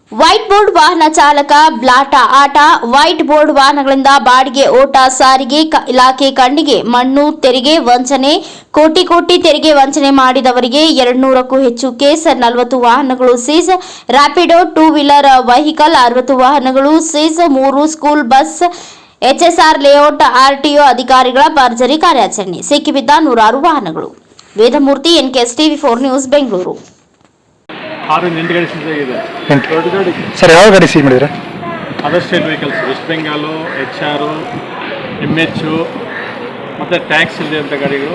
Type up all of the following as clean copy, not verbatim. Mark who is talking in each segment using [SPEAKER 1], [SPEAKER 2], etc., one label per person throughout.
[SPEAKER 1] White board ವಾಹನ ಚಾಲಕ ಬ್ಲಾಟ ಆಟ ವೈಟ್ ಬೋರ್ಡ್ ವಾಹನಗಳಿಂದ ಬಾಡಿಗೆ ಓಟ ಸಾರಿಗೆ ಇಲಾಖೆ ಕಣ್ಣಿಗೆ ಮಣ್ಣು ತೆರಿಗೆ ವಂಚನೆ ಕೋಟಿ ತೆರಿಗೆ ವಂಚನೆ ಮಾಡಿದವರಿಗೆ 200ಕ್ಕೂ ಹೆಚ್ಚು ಕೇಸ್ 40 ವಾಹನಗಳು ಸೀಸ್ ರ್ಯಾಪಿಡೋ 2 ವೀಲರ್ ವೆಹಿಕಲ್ 60 ವಾಹನಗಳು seize 3 school bus HSR layout RTO ಅಧಿಕಾರಿಗಳ ಭರ್ಜರಿ ಕಾರ್ಯಾಚರಣೆ ಸಿಕ್ಕಿಬಿದ್ದ 106 ವಾಹನಗಳು ವೇದಮೂರ್ತಿ ಎನ್ಕೆಎಸ್ ಟಿವಿ4 ನ್ಯೂಸ್ ಬೆಂಗಳೂರು
[SPEAKER 2] 6-8 ಗಾಡಿ ಸೀಸ್ ಆಗಿದೆ. ದೊಡ್ಡ ಗಾಡಿ
[SPEAKER 3] ಸರ್ ಯಾವ ಗಾಡಿ ಸೀಸ್ ಮಾಡಿದ್ರೆ?
[SPEAKER 2] Other state vehicles West Bengal HR MH ಮತ್ತು ಟ್ಯಾಕ್ಸ್ ಇದೆ ಅಂತ ಗಾಡಿಗಳು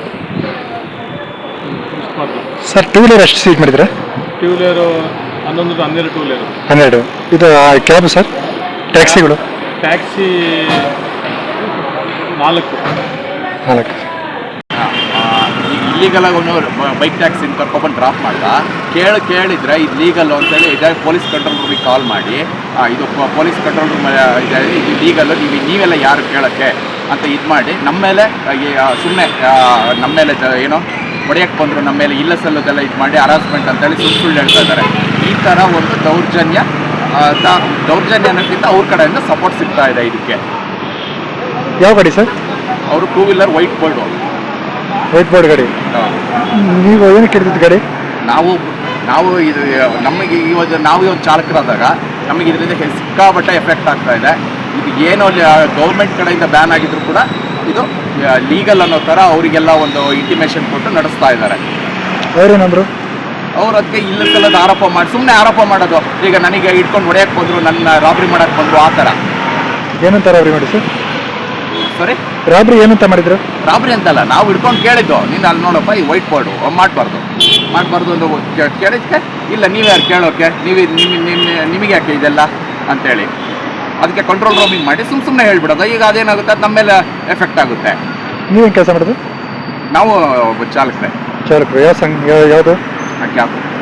[SPEAKER 3] ಸರ್ ಟೂ ವೀಲರ್ ಎಷ್ಟು ಸೀಸ್ ಮಾಡಿದ್ರೆ?
[SPEAKER 2] Two wheeler 11-12 two wheeler
[SPEAKER 3] 12. ಇದು ಕ್ಯಾಬ್ ಸರ್ ಟ್ಯಾಕ್ಸಿಗಳು?
[SPEAKER 2] ಟ್ಯಾಕ್ಸಿ 4.
[SPEAKER 4] ಇಲ್ಲೀಗಲಾಗಿ ಅವನು ಬೈಕ್ ಟ್ಯಾಕ್ಸಿನ ಕರ್ಕೊಬಂದು ಡ್ರಾಪ್ ಮಾಡ್ದ ಕೇಳಿದ್ರೆ ಇದು ಲೀಗಲ್ಲು ಅಂತೇಳಿ ಇದೇ ಪೊಲೀಸ್ ಕಂಟ್ರೋಲ್ ರೂಮಿಗೆ ಕಾಲ್ ಮಾಡಿ ಇದು ಪೊಲೀಸ್ ಕಂಟ್ರೋಲ್ ರೂಮ್ ಇದೆ ಇದು ಲೀಗಲ್ಲು ನೀವೆಲ್ಲ ಯಾರು ಕೇಳೋಕ್ಕೆ ಅಂತ ಇದು ಮಾಡಿ ನಮ್ಮ ಮೇಲೆ ಸುಮ್ಮನೆ ನಮ್ಮ ಮೇಲೆ ಏನೋ ಹೊಡೆಯಕ್ಕೆ ಬಂದರು ನಮ್ಮ ಮೇಲೆ ಇಲ್ಲ ಸಲ್ಲೋದೆಲ್ಲ ಇದು ಮಾಡಿ ಹರಾಸ್ಮೆಂಟ್ ಅಂತೇಳಿ ಸುಳ್ಳು ಹೇಳ್ತಾ ಇದ್ದಾರೆ. ಈ ಥರ ಒಂದು ದೌರ್ಜನ್ಯ ಅನ್ನೋಕ್ಕಿಂತ ಅವ್ರ ಕಡೆಯಿಂದ ಸಪೋರ್ಟ್ ಸಿಗ್ತಾ ಇದೆ ಇದಕ್ಕೆ.
[SPEAKER 3] ಯಾವ ಗಾಡಿ ಸರ್?
[SPEAKER 4] ಅವರು 2 ವೀಲರ್ ವೈಟ್ ಬೋರ್ಡ್
[SPEAKER 3] ಗಾಡಿ. ನೀವು ಏನಕ್ಕೆ ಹಿಡಿದಿದ್ದು ಗಾಡಿ?
[SPEAKER 4] ನಾವು ಇದು ನಮಗೆ ನಾವು ಇವತ್ತು ಚಾಲಕರಾದಾಗ ನಮಗೆ ಇದರಿಂದ ಸಿಕ್ಕಾಪಟ್ಟೆ ಎಫೆಕ್ಟ್ ಆಗ್ತಾ ಇದೆ. ಇದು ಏನೋ ಗೌರ್ಮೆಂಟ್ ಕಡೆಯಿಂದ ಬ್ಯಾನ್ ಆಗಿದ್ರು ಕೂಡ ಇದು ಲೀಗಲ್ ಅನ್ನೋ ಥರ ಅವರಿಗೆಲ್ಲ ಒಂದು ಇಂಟಿಮೇಷನ್ ಕೊಟ್ಟು ನಡೆಸ್ತಾ ಇದ್ದಾರೆ.
[SPEAKER 3] ಅವ್ರೇನಂದ್ರು?
[SPEAKER 4] ಅವ್ರು ಅದಕ್ಕೆ ಇಲ್ಲದೆಲ್ಲದ ಆರೋಪ ಮಾಡಿ ಸುಮ್ಮನೆ ಆರೋಪ ಮಾಡೋದು. ಈಗ ನನಗೆ ಇಟ್ಕೊಂಡು ಹೊಡೆಯಕ್ಕೆ ಬಂದರು, ನನ್ನ ರಾಬ್ರಿ ಮಾಡೋಕ್ಕೆ ಬಂದರು, ಆ ಥರ.
[SPEAKER 3] ಏನಂತ ರಾಬ್ರಿ ಮಾಡಿ ಸರ್?
[SPEAKER 4] ಸಾರಿ,
[SPEAKER 3] ರಾಬ್ರಿ ಏನಂತ ಮಾಡಿದ್ರು?
[SPEAKER 4] ರಾಬ್ರಿ ಅಂತಲ್ಲ, ನಾವು ಹಿಡ್ಕೊಂಡು ಕೇಳಿದ್ದು ನೀನು ಅಲ್ಲಿ ನೋಡಪ್ಪ ಈ ವೈಟ್ ಬೋರ್ಡು ಮಾಡಬಾರ್ದು ಒಂದು ಕೇಳಿದ್ಕೆ ಇಲ್ಲ ನೀವು ಯಾರು ಕೇಳೋಕ್ಕೆ, ನಿಮಗೆ ಯಾಕೆ ಇದೆಲ್ಲ ಅಂತೇಳಿ ಅದಕ್ಕೆ ಕಂಟ್ರೋಲ್ ರೂಮಿಂಗ್ ಮಾಡಿ ಸುಮ್ಮನೆ ಹೇಳ್ಬಿಡೋದು. ಈಗ ಅದೇನಾಗುತ್ತೆ, ಅದು ನಮ್ಮ ಮೇಲೆ ಎಫೆಕ್ಟ್ ಆಗುತ್ತೆ.
[SPEAKER 3] ನೀವೇನು ಕೆಲಸ ಮಾಡೋದು?
[SPEAKER 4] ನಾವು ಚಾಲಕರೇ.
[SPEAKER 3] ಯಾವ ಸಂಘ ಯಾವುದು?
[SPEAKER 4] ಕ್ಯಾಬ್.